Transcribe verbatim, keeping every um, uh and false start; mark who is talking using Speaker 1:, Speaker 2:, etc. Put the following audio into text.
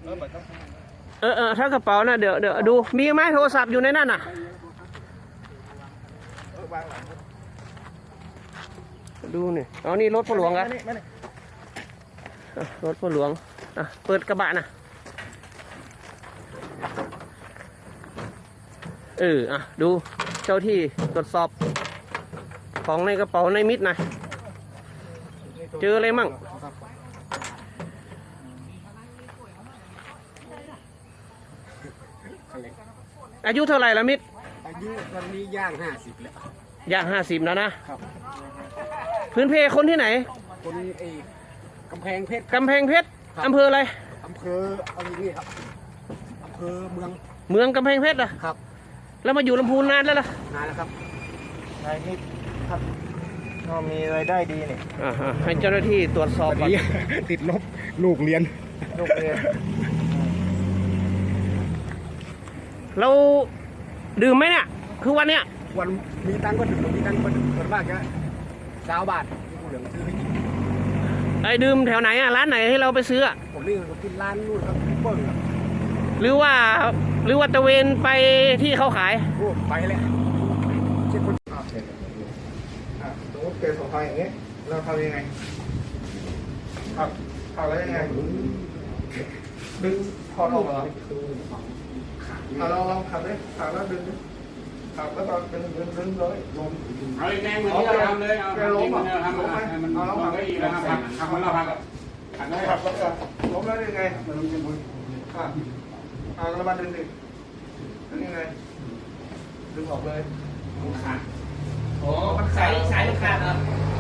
Speaker 1: เออเออถ้ากระเป๋านะเดี๋ยวเดี๋ยวดูมีไหมโทรศัพท์อยู่ในนั่นน่ะดูนี่อ๋อนี่รถพ่อหลวงครับรถพ่อหลวงอ่ะเปิดกระบะนะเอออ่ะดูเจ้าที่ตรวจสอบของในกระเป๋าในมิดนะเจออะไรมั่งอายุเท่าไหร่ละมิด
Speaker 2: อายุตอนนี้ย่างห้าสิบแล้ว
Speaker 1: ย่างห้าสิบแล้วนะครับพื้นเพคนที่ไหน
Speaker 2: คนเอกกำแพงเพชร
Speaker 1: กำแพงเพชรอำเภออะไร
Speaker 2: อำเภอเอาอย่างนี้ครับอำเภอเมือง
Speaker 1: เมืองกำแพงเพชรเหรอ
Speaker 2: ครับ
Speaker 1: แล้วมาอยู่ลำพูนนานแล้วล่ะ
Speaker 2: นานแล้วครับ
Speaker 3: นายนี่ครับก็มีรายได้ดีนี่
Speaker 1: อ่าฮะให้เจ้าหน้าที่ตรวจสอบก่อน
Speaker 2: ติดลบลูกเรียน
Speaker 3: ลูกเรียน
Speaker 1: เราดื่มไหมเนี่ยคือวันเนี้ย
Speaker 2: วันมีตังค์ก็ดื่มมีตังค์ก็ดื่มส่วนมากจะสาวบาทที่ผู้เหลืองซื้อให้กิน
Speaker 1: ไอ้ดื่มแถวไหนอ่ะร้านไหนให้เราไปซื้อ
Speaker 2: ผมนี่ผมกินร้านนู่นครับเปิ้ลครับ
Speaker 1: หรือว่าหรือว่าตะเวนไปที่เขาขาย
Speaker 2: โอ้ไปเลยเช็คคน
Speaker 3: อ่าเสร็จอ่าสมมติเกิดสงครามอย่างเงี้ยเราทำยังไงขับขับแล้วยังไงดึงพอดออกเหรอเอาลองลองขับเลยขับแล้วดึงขับแล้วก็ดึงดึงดึงเลยลง
Speaker 4: เอาแรงเหมือนที่เราทำเลยเอาล้มอ่ะทำล้มให้มันล้มก็อีกแล้วครับทำมันเราพักอ่ะขับได้
Speaker 3: ขับแล้วก็ล้มแล้วยังไงมันลงจะบุญอ่าอ่าแล้วมาดึงดิดึงยังไงดึงออกเลย
Speaker 4: ขาด
Speaker 1: โอ้มันสายสายขาดอ่ะ